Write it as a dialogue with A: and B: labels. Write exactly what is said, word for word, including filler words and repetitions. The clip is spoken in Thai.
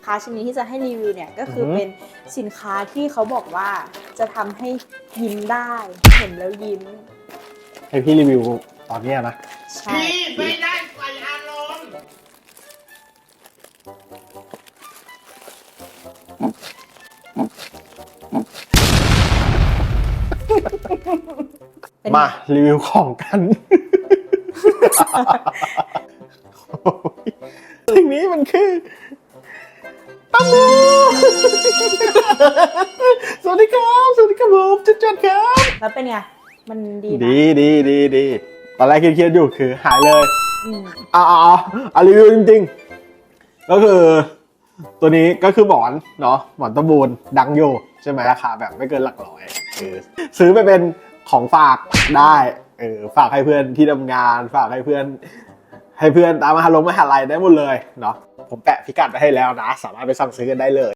A: ค้าชิ้นนี้ที่จะให้รีวิวเนี่ยก็คือเป็นสินค้าที่เขาบอกว่าจะทำให้ยิ้มได้เห็นแล้วยิ้ม
B: ให้พี่รีวิวตอนนี้นะ
A: ใช่
C: พี่ไม่ได้ใส่อารมณ์
B: มารีวิวของกันสิ่งนี้มันคือตัมโบสวัสดีครับสวัสดีครับผมจุดจุดครับ
A: แล้วเป็นไงมันดีนะ
B: ดีดีดีดีตอนแรกเครียดๆอยู่คือหายเลย
A: อืม
B: อ่าอ่ารีวิวจริงๆก็คือตัวนี้ก็คือหมอนเนาะหมอนตะบูนดังอยู่ใช่ไหมราคาแบบไม่เกินหลักร้อยเออซื้อไปเป็นของฝากได้เออฝากให้เพื่อนที่ทำงานฝากให้เพื่อนให้เพื่อนตามมหาลงมหาลัยได้หมดเลยเนาะผมแปะพิกัดไปให้แล้วนะสามารถไปสั่งซื้อกันได้เลย